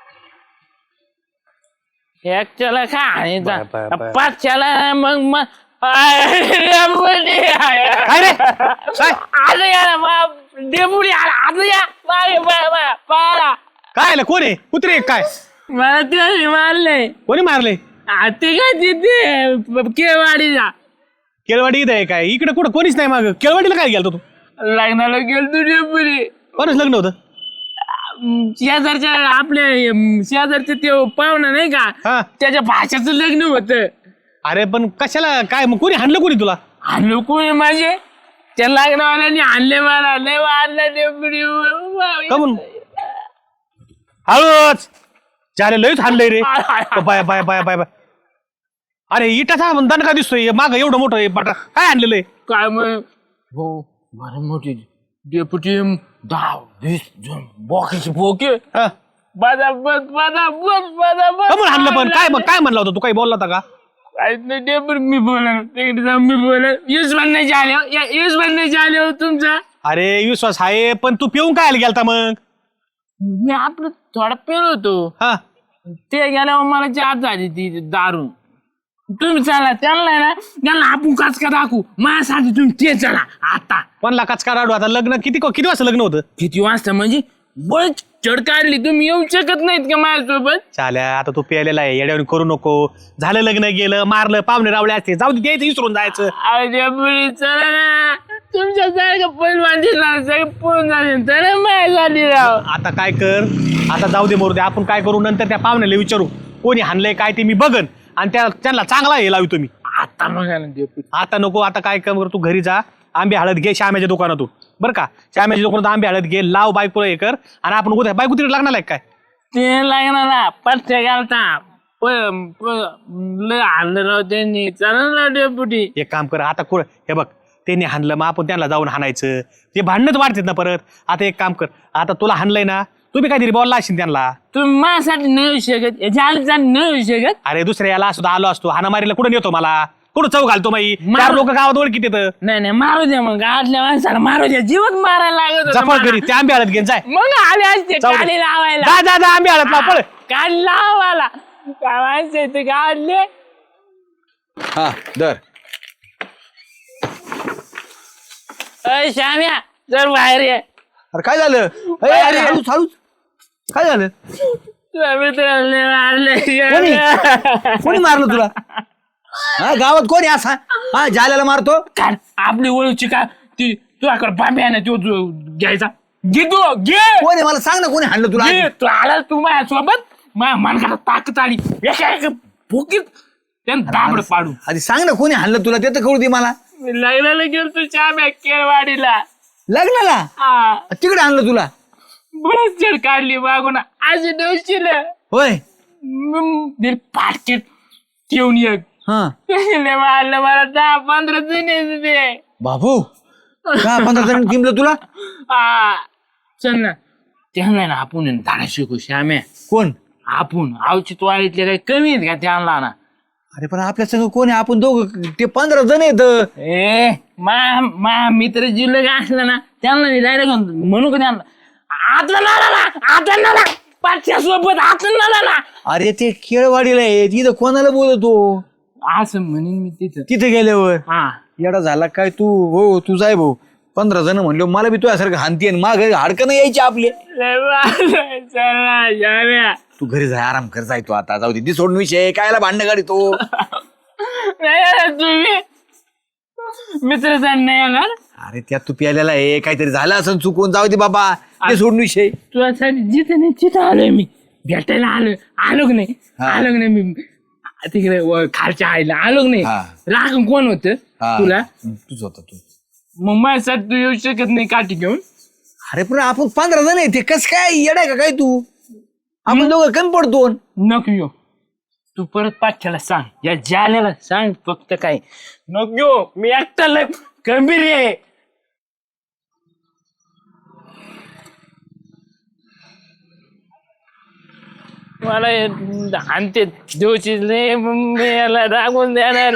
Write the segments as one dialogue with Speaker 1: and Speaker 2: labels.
Speaker 1: एकच्याला का आणि
Speaker 2: bye, bye, bye.
Speaker 1: पाचच्याला मग
Speaker 2: काय रे काय
Speaker 1: आज या डेपुटी आज या पाला
Speaker 2: काय आलं कोण आहे कुत्रे आहे काय
Speaker 1: मला ते मारलंय
Speaker 2: कोणी मारले
Speaker 1: ते काय तिथे केवाडीला
Speaker 2: केळवाडी इथं आहे काय इकडे कुठं कोणीच नाही माग केळवाडीला काय गेलतो तू
Speaker 1: लग्नाला गेलतो डेपुटी
Speaker 2: कोणच लग्न होतं
Speaker 1: शेजारच्या आपल्या शेजारचे ते पाहुणा नाही का
Speaker 2: हा
Speaker 1: त्याच्या भाषेचं लग्न होतं.
Speaker 2: अरे पण कशाला काय मग कोणी हाणलं कोणी तुला
Speaker 1: आणलो कोणी माझे त्या लग्नवाल्याने आणले मला लय वाढलं डेपुटी
Speaker 2: कमून हळूच चाले लयच हाणलंय रे bye bye bye bye bye अरे इटाचा दणका दिसतोय माग एवढं मोठं आहे पाटा काय आणलेलं आहे
Speaker 1: काय मग हो मला मोठी डेपुटी 10-20 जण बोके बोके
Speaker 2: हा. कमून हाणलं पण काय मग काय म्हणलं होतं तू काही बोलला होता का
Speaker 1: काहीच नाही डेपुटी मी बोला तिकडे जाऊन मी बोला यूज बनण्याचे आले हो तुमचा
Speaker 2: अरे विश्वास आहे पण तू पिऊन काय गेलता मग
Speaker 1: मी आपलं थोडा पेलो होतो
Speaker 2: हा
Speaker 1: ते गेल्यावर मला जात झाली ती दारू तुम्ही चला त्यांना आपण काच का दाखवू माझ्यासाठी तुम्ही ते चला आता
Speaker 2: पण लाखाच का राडू आता लग्न किती वाजता लग्न होतं
Speaker 1: किती वाजता म्हणजे बळ चढ काढली तुम्ही येऊ शकत नाहीत का माझ्यासोबत
Speaker 2: चाल्या आता तू प्यायलेला आहे येड्यावर करू नको झालं लग्न गेलं मारलं पाहुणे रावळे असते जाऊ दे द्यायचं विसरून जायचं
Speaker 1: अरे बुडी चला ना तुमच्या सारखं पैलवान दिला सगळं पळून जाईल तर माझ्या झाली राव
Speaker 2: आता काय कर आता जाऊ दे मरू दे आपण काय करू नंतर त्या पाहुण्याला विचारू कोणी हाणलंय काय ते मी बघन आणि त्यांना चांगला हे लावू तुम्ही
Speaker 1: आता मग
Speaker 2: आता नको आता काय कर तू घरी जा आंबे हळद घे श्यामाच्या दुकानातून बरं का श्यामाच्या दुकानात आंबे हळद घे लाव बायकोला हे कर आणि आपण उद्या बायको तिकडे लागणार आहे काय
Speaker 1: ते लागणार ना पट्ट्या घालता लय आणलं राव त्यांनी चला ना डेपुटी
Speaker 2: एक काम कर आता हे बघ त्यांनी हाणलं मग आपण त्यांना जाऊन हाणायचं ते भांडणच वाढतात ना परत आता एक काम कर आता तुला हाणलंय ना तुम्ही काहीतरी बोलला असेल त्यांना
Speaker 1: तुम्ही माझ्यासाठी नाही येऊ शकत याच्या नाही येऊ शकत
Speaker 2: अरे दुसऱ्या याला सुद्धा आलो असतो हाणामारीला कुठं नेतो मला कुठं चव घालतो माई चार लोक गावात ओळखीत येतं
Speaker 1: नाही मारू द्या मग आतल्या माणसाला मारू द्या जीवच मारायला लागत होता
Speaker 2: जपळ घरी ते आंबे हळद घेऊन जाय
Speaker 1: मग आले असते
Speaker 2: जाऊ दे.
Speaker 1: काढी लावायला
Speaker 2: जा जा जा आंबे हळद लाव पळ
Speaker 1: काढ लावायला काय माणसं ते काढले
Speaker 3: हा दर
Speaker 1: अय श्याम्या जर बाहेर ये
Speaker 3: अरे काय झालं अरे अरे हळूच हळूच काय झालं
Speaker 1: तुझ्या मित्राने मारले
Speaker 3: कोणी मारलं तुला हा गावात कोणी असा हा जाल्याला मारतो
Speaker 1: काढ आपली ओळखची का ती तुझ्याकडे बांबे आहे ना तो घ्यायचा घे तू घे
Speaker 3: कोण आहे मला सांग ना कोणी हाणलं तुला
Speaker 1: घे तू आला तू माझ्यासोबत माझ्या मनकाला ताकद आली एका भुकीत त्यानं दाबड पाडू
Speaker 3: आधी सांग ना कोणी हाणलं तुला ते तर कळू दे मला
Speaker 1: मी लग्नाला गेलो तू श्याम्या केळवाडीला
Speaker 3: लग्नाला
Speaker 1: हा
Speaker 3: तिकडे आणलं तुला
Speaker 1: बरंच जड काढली मागून आज नवशील
Speaker 3: होय
Speaker 1: पाटकेट ठेवून एक
Speaker 3: हा
Speaker 1: मारलं मला 10-15 जण येत ते
Speaker 3: बाबू का 15 जण किमलं तुला
Speaker 1: हा चल ना त्यांना ना आपण धाडा शिकू श्याम्या
Speaker 3: कोण
Speaker 1: आपण आवचित वाडीतले काही कमी आहेत का त्यांना ना
Speaker 3: अरे पण आपल्या संग कोण आहे आपण दोघं ते 15 जण येत
Speaker 1: ए मा मित्र जिल्हा असला ना त्यांना डायरेक्ट म्हणू का त्यांना आता पाचशा सोबत आता
Speaker 3: अरे ते केळवाडीला आहे तिथं कोणाला बोलतो
Speaker 1: असं म्हणेन मी तिथं
Speaker 3: तिथे गेल्यावर
Speaker 1: हा
Speaker 3: येडा झाला काय तू हो तू जाय भाऊ 15 जण म्हणलो मला बी तुझ्यासारखं हानती आणि माग हाडकं नाही यायची आपले
Speaker 1: चला
Speaker 3: तू घरी जाय आराम कर जाय तू आता जाऊ दे ती सोडून विषय कायला भांडण गाडी तो
Speaker 1: तुम्ही मित्र नाही येणार
Speaker 3: अरे त्यात तू प्यायलेला आहे काहीतरी झालं असं चुकून जाऊ दे बाबा ते सोडून विषय
Speaker 1: तुझ्यासाठी जिथं नाही तिथं आलोय मी भेटायला आलो नाही मी तिकडे खालच्या आईला आलो नाही राग कोण होत तुला
Speaker 3: तूच होता तू
Speaker 1: मग माझ्यासाठी तू येऊ शकत नाही काठी घेऊन
Speaker 3: अरे पण आपण 15 जण आहे ते कस काय येडाय का काय तू आपण दोघं कमी पडतो
Speaker 1: नको येऊ तू परत पाठ्याला सांग या जाल्याला सांग फक्त काय नको येऊ मी एकटा गंभीर आहे मला हानते देऊची याला रागून देणार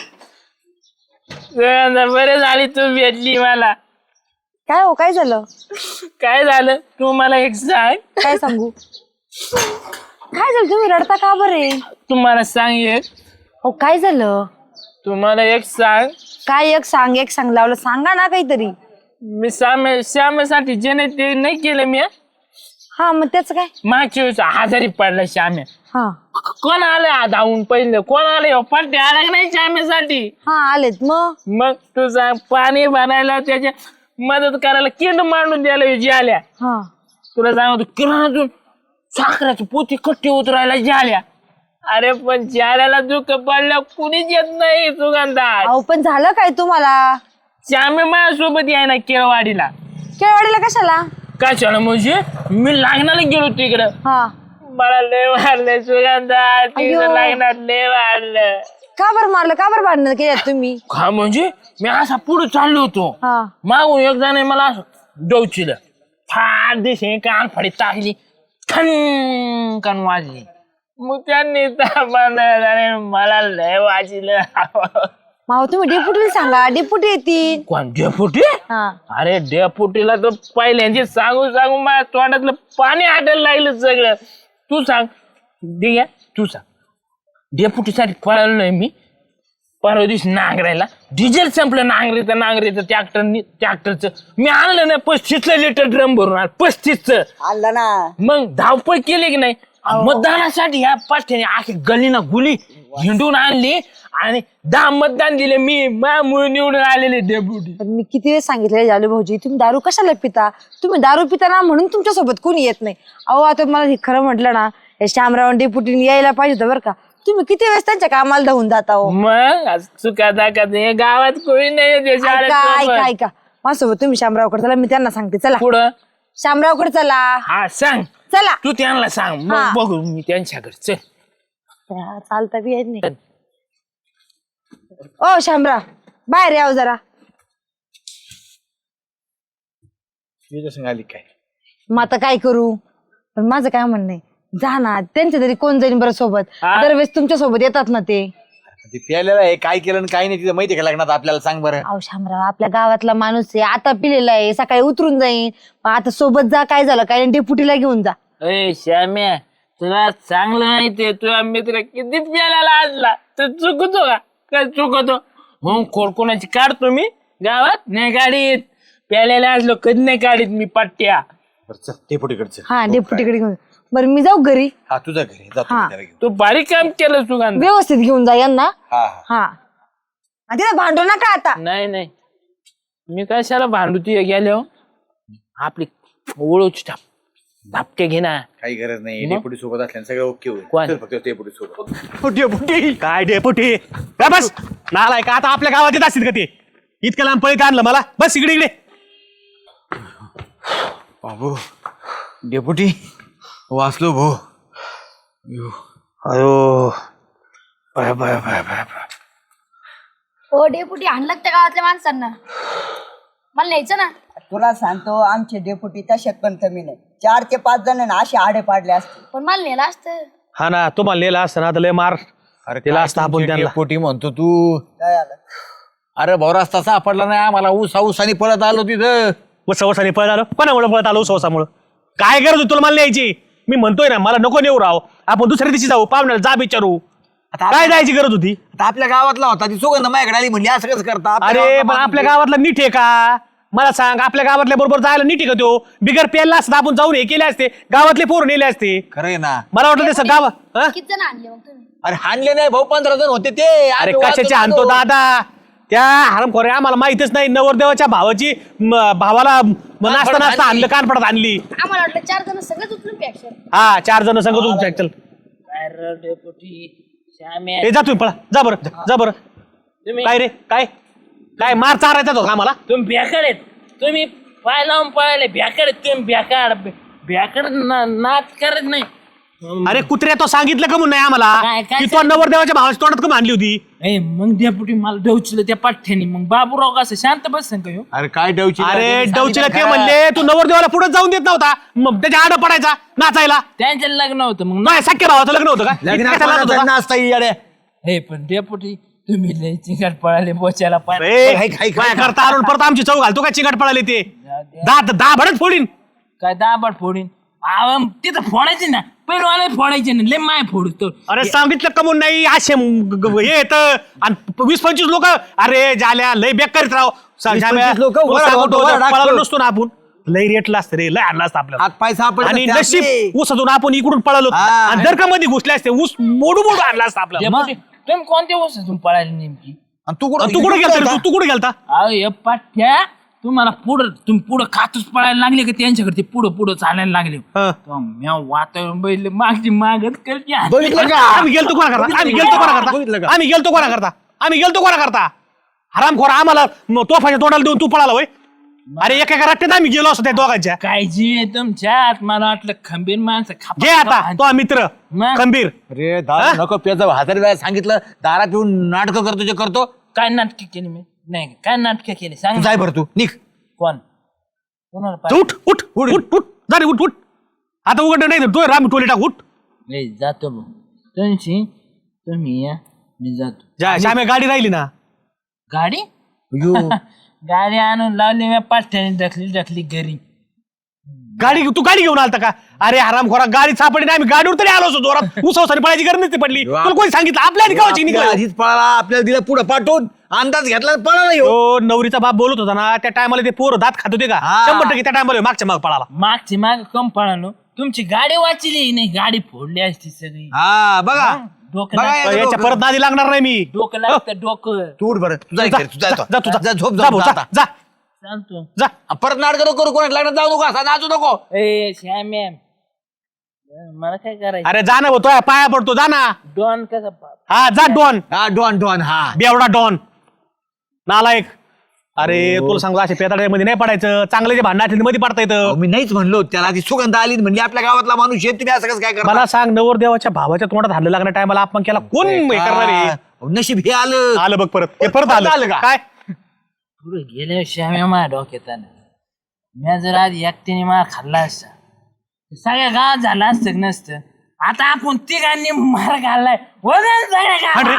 Speaker 1: बरे झाली तू भेटली मला
Speaker 4: काय हो काय झालं
Speaker 1: काय झालं तू मला एक सांग
Speaker 4: काय सांगू झालं, तुम्ही रडता का बरे?
Speaker 1: तुम्हाला सांग एक,
Speaker 4: हो काय झालं?
Speaker 1: तुम्हाला एक सांग,
Speaker 4: काय एक सांग लावलं, सांगा ना काहीतरी.
Speaker 1: मी श्यामेसाठी जे नाही ते नाही केलं मी.
Speaker 4: हा मग त्याच काय?
Speaker 1: मागच्या वेळेस आजारी पडला श्याम्या.
Speaker 4: हा
Speaker 1: कोण आलं धावून पहिलं, कोण आलं पट्टे आला की नाही श्यामेसाठी.
Speaker 4: हा आलेत
Speaker 1: मग तू सांग, पाणी भरायला त्याच्या मदत करायला किंड मांडून द्यायला जी आल्या.
Speaker 4: हा
Speaker 1: तुला सांगतो किराणातून साखराची पोती कट्टी उतरायला जाल्या. अरे पण जाल्याला दुःख पडलं कुणीच येत नाही सुगंधा.
Speaker 4: अहो पण झालं काय तुम्हाला?
Speaker 1: श्यामे माझ्यासोबत याय ना केळवाडीला.
Speaker 4: केळवाडीला कशाला?
Speaker 1: कशाला म्हणजे मी लग्नाला गेलो तिकडं.
Speaker 4: हा
Speaker 1: मला लय वाढलं सुगंधा, तिकडं लग्नात लय वाढलं.
Speaker 4: का बरं मारलं, का बरं भांडण केलं तुम्ही?
Speaker 1: हा म्हणजे मी असा पुढे चाललो होतो,
Speaker 4: हा
Speaker 1: मागून एक जण मला असं डोचिलं, फार दिशे कान फाडी टाकली, खन कन वाजली. मग त्यांनी मला लय वाजलं.
Speaker 4: माव तुम्ही डेपुटीला सांगा, डेपुटी येतील.
Speaker 1: कोण डेपुटी?
Speaker 4: हा
Speaker 1: अरे डेपुटीला तर पहिल्यांची सांगू सांगू माझ्या तोंडातलं पाणी आटायला लागलं सगळं. तू सांग दिग्या, तू सांग. डेपुटीसाठी पळालो नाही मी. परवा दिवशी नांगरायला डिझेल संपलं, नांगरीचं ट्रॅक्टरचं मी आणलं ना 35 लिटर ड्रम भरून आलं. 35
Speaker 5: आणलं ना.
Speaker 1: मग धावपळ केली की नाही मतदानासाठी. या पाठ्याने आखी गलीना गुली हिंडून आणली आणि 10 मतदान दिले मी. माझ्यामुळे निवडून आलेले डेप्युटी.
Speaker 4: पण मी किती वेळ सांगितलं जालू भाऊजी, तुम्ही दारू कशाला पिता? तुम्ही दारू पिता ना म्हणून तुमच्या सोबत कोणी येत नाही. अहो आता मला हे खरं म्हटलं ना, हे श्यामराव डेप्युटीने यायला पाहिजे होतं बरं का. तुम्ही किती वेळेस त्यांच्या कामाला धावून जाता हो.
Speaker 1: मग चुका दाखत गावात कोणी नाही.
Speaker 4: ऐका माझ्यासोबत तुम्ही शामरावकडे चला, मी त्यांना सांगते. चला
Speaker 1: पुढं
Speaker 4: शामरावकडे चला.
Speaker 1: हा सांग,
Speaker 4: चला
Speaker 1: तू त्यांना सांग,
Speaker 4: हा.
Speaker 1: मग बघू मी त्यांच्याकडे. चल
Speaker 4: चालता बी येत नाही. ओ शामराव बाहेर याव जरा.
Speaker 3: आली काय?
Speaker 4: मग आता काय करू? पण माझं काय म्हणणं आहे, जा ना, त्यांच्या तरी कोण जाईन बरं सोबत.
Speaker 1: हा.
Speaker 4: दरवेळेस तुमच्या सोबत येतात ना ते.
Speaker 3: ते प्यायलेलं आहे, काय केलं आणि काय नाही तिथं माहिती का लग्नात आपल्याला? सांग बरं.
Speaker 4: अहो शामराव आपल्या गावातला माणूस आहे, आता पिलेला आहे, सकाळी उतरून जाईन. मग आता सोबत जा, काय झालं काय, डेपुटीला घेऊन जा.
Speaker 1: ए श्याम्या, तुला चांगलं माहितीये तुझा मित्र किती प्यायला आणला तर चुकतो का? काय चुकतो? हो कोणाची काढतो मी गावात नाही काढीत. प्यायला असलो कधी नाही काढीत मी पट्ट्या.
Speaker 3: डेपुटीकडचं.
Speaker 4: हा डेपुटीकडे घेऊन. बरं मी जाऊ घरी.
Speaker 3: हा तुझ्या घरी जातो
Speaker 4: हा.
Speaker 3: मी त्याला घेऊन.
Speaker 1: तू बारीक काम केलं सुगंध.
Speaker 4: व्यवस्थित घेऊन जा यांना.
Speaker 3: हा
Speaker 4: हा आणि तिला भांडू नका आता.
Speaker 1: नाही मी कशाला भांडू तुझ्या गेल्या. आपली ओळूची धापके घे ना.
Speaker 3: काही गरज नाही, डेपुटी सोबत असल्याने सगळं ओके होईल.
Speaker 1: कोण?
Speaker 3: चल फक्त डेपुटी सोबत.
Speaker 2: डेपुटी काय डेपुटी काय बस नालाय का? आता आपल्या गावात येत असतील का ते? इतकं लांब पळीत आणलं मला. बस इकडे
Speaker 3: बाबू डेपुटी वाचलो भो.
Speaker 2: अयो
Speaker 6: हो डेपुटी आणलं त्या गावातल्या माणसांना. मला न्यायचं ना.
Speaker 5: तुला सांगतो आमचे डेपुटी तशात पण कमी नाही. 4 ते 5 जण असे आडे पाडले असते.
Speaker 6: पण मला नेलं असतं.
Speaker 2: हा ना, तुम्हाला लिहिला असतं ना, आता लय मार.
Speaker 3: अरे
Speaker 2: तिला असतं आपण त्यांना.
Speaker 3: डेपुटी म्हणतो तू.
Speaker 5: काय आलं?
Speaker 3: अरे भाऊ रस्ता सापडला नाही आम्हाला. ऊसानी पळत आलो तिथं.
Speaker 2: सवसाने पळत आलो. कोणामुळे पळत आलो? सवसामुळे. काय गरज होती तुला मला न्यायची? मी म्हणतोय ना, मला नको नेऊ राव. आपण दुसऱ्या दिवशी जाऊ, पाहुण्याला जा विचारू. काय जायची गरज होती?
Speaker 3: आता आपल्या गावातला होता, ती सुगंध माझ्याकडे आली म्हणली असं कसं करता?
Speaker 2: अरे पण आपल्या गावातला नीट आहे का? मला सांग, आपल्या गावातल्या बरोबर जायला नीट आहे का? तो बिगर प्यायला असता आपण जाऊन हे केले असते, गावातले पोर नेले असते.
Speaker 3: खरंय ना.
Speaker 2: मला वाटलं ते गाव.
Speaker 6: किती जण आणले मग तुम्ही?
Speaker 3: अरे हाणले नाही भाऊ, 15 जण होते ते.
Speaker 2: अरे
Speaker 3: आम्ही
Speaker 2: कशाचे
Speaker 3: वाचतो
Speaker 2: आणतो
Speaker 3: तो.
Speaker 2: दादा? त्या हरमखोरे आम्हाला माहितच नाही. नवरदेवाच्या भावाची भावाला नाचता आणलं, कानपडात आणली.
Speaker 6: आम्हाला वाटलं 4 जण सगळेच उचलून प्याक्शन.
Speaker 2: हा 4 जण संग तुमच्या. चल
Speaker 1: काय रे डेपुटी श्याम्या,
Speaker 2: ए, जा तुम्ही पळा. जा बरं.
Speaker 1: तुम्ही
Speaker 2: काय रे? काय मार चारायचा तो आम्हाला?
Speaker 1: तुम्ही भ्याकड आहेत. तुम्ही पाय लावून पळाले भ्याकड आहेत. तुम्ही भ्याकड नाच करत नाही.
Speaker 2: अरे कुत्र्या, तो सांगितलं का म्हणून नाही आम्हाला
Speaker 1: काय
Speaker 2: की तो नवरदेवाच्या भावाच्या तोंडात का मानली होती?
Speaker 1: ए मग डेपुटी मला डवचिलं त्या पाठ्याने. मग बाबूराव कसं शांत बसन का ह्यो?
Speaker 3: अरे काय डवची?
Speaker 2: अरे डवचीला ते म्हणले तू नवरदेवाला पुढे जाऊन देत नव्हता, मग त्याच्या आड पडायचा नाचायला.
Speaker 1: त्यांचं लग्न होतं मग.
Speaker 2: नाही, सख्या भावाचं लग्न होतं का? इतकं कशाला होतं का?
Speaker 3: नाचता येड्या.
Speaker 1: हे पण डेपुटी तुम्ही लय चिंगाट पळाले बोच्याला पाय.
Speaker 2: ए,
Speaker 3: हाय.
Speaker 2: काय करता आणून परत आमची चव घालतो का? चिंगाट पळाले ते. दहा भडच फोडीन.
Speaker 1: काय दाबड फोडीन. तिथं फोडायची ना. पैलवाला फोडायचे नाही लय माय फोडतो.
Speaker 2: अरे सांगितलं कमून नाही असे हे येतं आणि 20-25 लोक अरे झाल्या लय बेकारीत राव.
Speaker 3: 20-25 लोकं वर आडवतो, वर
Speaker 2: पळालो
Speaker 3: आडवतो.
Speaker 2: नसतो ना आपण लय रेटला असतं रे लय आणला असतं आपल्याला.
Speaker 3: हात पाय सापडले
Speaker 2: आणि
Speaker 3: असते
Speaker 2: नशीब
Speaker 3: आपले.
Speaker 2: ऊसातून आपण इकडून पळालो
Speaker 3: हा.
Speaker 2: आणि जर का मध्ये घुसले असते ऊस मोडू आणला असता आपल्याला.
Speaker 1: डेपुटी, तुम्ही कोणत्या वस्तून पळायला नेमकी?
Speaker 3: आणि तू
Speaker 2: आणि तू कुठे गेलता रे? तू कुठे गेलता?
Speaker 1: अहो हे पाठ्या तुम्हाला तुम्ही पुढं खातच पळायला लागले का त्यांच्याकडे ते पुढं चालायला लागले.
Speaker 2: हा.
Speaker 1: म्या वातावरण बैल मागची मागत करते.
Speaker 3: बघितलं का?
Speaker 2: आम्ही गेलतो कोणा करता? आम्ही गेलतो कोणा करता?
Speaker 3: बघितलं का?
Speaker 2: आम्ही गेलतो कोणा करता? आम्ही गेलतो कोणा करता? हरामखोर आम्हाला तोफाच्या तोंडाला देऊन तू पळाला होय. अरे एका रट्ट्यात आम्ही गेलो असतो त्या दोघांच्या.
Speaker 1: काय जीव आहे तुमच्यात मला वाटलं खंबीर माणसं
Speaker 2: घे आता तो मित्र
Speaker 1: मग?
Speaker 2: खंबीर.
Speaker 3: अरे दारू नको प्यायचं 1000 वेळा सांगितलं दारात येऊन नाटक करतो जे करतो.
Speaker 1: काय नाटक केली मी? नाही काय नाटक केली सांग
Speaker 3: तू
Speaker 1: ना.
Speaker 3: जाय बरं तू निघ.
Speaker 1: कोण कोणाला
Speaker 2: जा, उठ उठ उठ उठ उठ जा रे, उठ उठ आता उघड नाही तो राम टोली टाक उठ.
Speaker 1: पाहिजे? जातो भाऊ तुम्ही या मी जातो.
Speaker 2: जा श्यामे गाडी राहिली ना.
Speaker 1: गाडी
Speaker 3: अयो,
Speaker 1: गाडी आणून लावली मी पाठ्याने ढकली घरी.
Speaker 2: तू गाडी घेऊन आलता का? अरे हरामखोरा गाडी सापडली नाही आम्ही गाडीवर तरी आलो असतो जोरात. उसवसाने पळायची गरज नसती पडली. तुला कोणी सांगितलं आपल्या आधी गावाची
Speaker 3: आपल्या
Speaker 2: निघाला.
Speaker 3: आधीच पळाला आपल्याला दिला पुढे पाठवून अंदाज घेतला पळाला ह्यो.
Speaker 2: तो नवरीचा बाप बोलत होता ना त्या टायमाला ते पोरं दात खात होते का?
Speaker 3: हा.
Speaker 2: 100% त्या टायमाला मागच्या माग पळाला.
Speaker 1: मागची माग कम पळालो तुमची गाडी वाचली नाही गाडी फोडली असती सगळी.
Speaker 3: हा बघा
Speaker 1: डोकं
Speaker 3: बघा
Speaker 1: लागतं,
Speaker 3: याचं
Speaker 2: याच्या
Speaker 3: डोकं.
Speaker 2: परत नादी लागणार नाही मी.
Speaker 1: डोकं लागतं डोकं.
Speaker 3: तू उठ बरं तू जाय
Speaker 2: जा,
Speaker 3: घरी, तू जाय
Speaker 2: जा,
Speaker 3: तो.
Speaker 2: जा, तू जा.
Speaker 3: जा, झोप
Speaker 2: जा
Speaker 3: जा
Speaker 2: भाऊ,
Speaker 3: जा
Speaker 2: जा,
Speaker 3: आता.
Speaker 2: जा,
Speaker 1: चालतो.
Speaker 2: जा.
Speaker 3: परत नाटक नको करू कोणाला लग्नात जाऊ नको असा नाचू नको.
Speaker 1: ए श्याम्या मला काय करायचं?
Speaker 2: अरे जा ना भाऊ, तो पाया पडतो जा ना.
Speaker 1: डॉन कसा
Speaker 2: हा जा डॉन
Speaker 3: हा डॉन डॉन हा
Speaker 2: बेवडा डॉन नालायक. अरे तुला सांगतो असे पेताड्यामध्ये नाही पडायचं. चांगले जे भांडण मध्ये पडता
Speaker 3: अहो,
Speaker 2: येतं.
Speaker 3: मी नाहीच म्हणलो त्याला ती सुगंध आली म्हणजे आपल्या गावातला माणूस आहे तुम्ही असं कसं काय
Speaker 2: मला सांग नवरदेवाच्या भावाच्या तोंडात हल्लं लागण्या टायमाला आपण केला कोण हे करणार आहे?
Speaker 3: करता नशीब हे आलं
Speaker 2: आलं बघ परत हे परत
Speaker 3: आलं
Speaker 2: आलं
Speaker 3: का?
Speaker 2: काय
Speaker 1: पुढे गेले श्याम्या माझ्या डोक्यात आलं. मी जर आधी एकट्याने मार खाल्ला असता सगळ्या गावात झालं असतं नसतं. आता आपण तिघांनी मार खाल्लाय वजन सगळ्या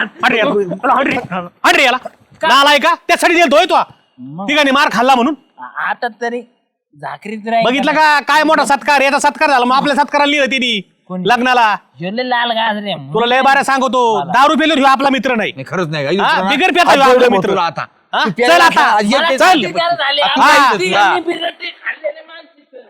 Speaker 1: गावात.
Speaker 2: हट रे याला नालाय का त्यासाठी दिलतोय तो ठिकाणी मार खाल्ला म्हणून.
Speaker 1: आता तरी झाकरीत राहील.
Speaker 2: बघितलं का काय मोठा सत्कार याचा सत्कार झाला मग आपल्या सत्काराला लिहिलं तिने
Speaker 1: कोणी?
Speaker 2: लग्नाला.
Speaker 1: झोले लाल गाजरे
Speaker 2: तुला लय बाऱ्या सांगतो दारू पिलो ह्यो आपला मित्र नाही.
Speaker 3: नाही, खरंच नाही
Speaker 2: हा,
Speaker 3: आई,
Speaker 2: बिगर प्याचा
Speaker 3: आज
Speaker 2: ह्यो आपला
Speaker 3: जेवढं
Speaker 2: मित्र.
Speaker 3: तुला आता
Speaker 2: हा,
Speaker 3: तू
Speaker 2: चल
Speaker 3: प्यायला
Speaker 2: आता
Speaker 3: खा, आज
Speaker 2: चल.
Speaker 3: एक-
Speaker 1: झाले
Speaker 2: हा.
Speaker 1: तिघांनी बिरटी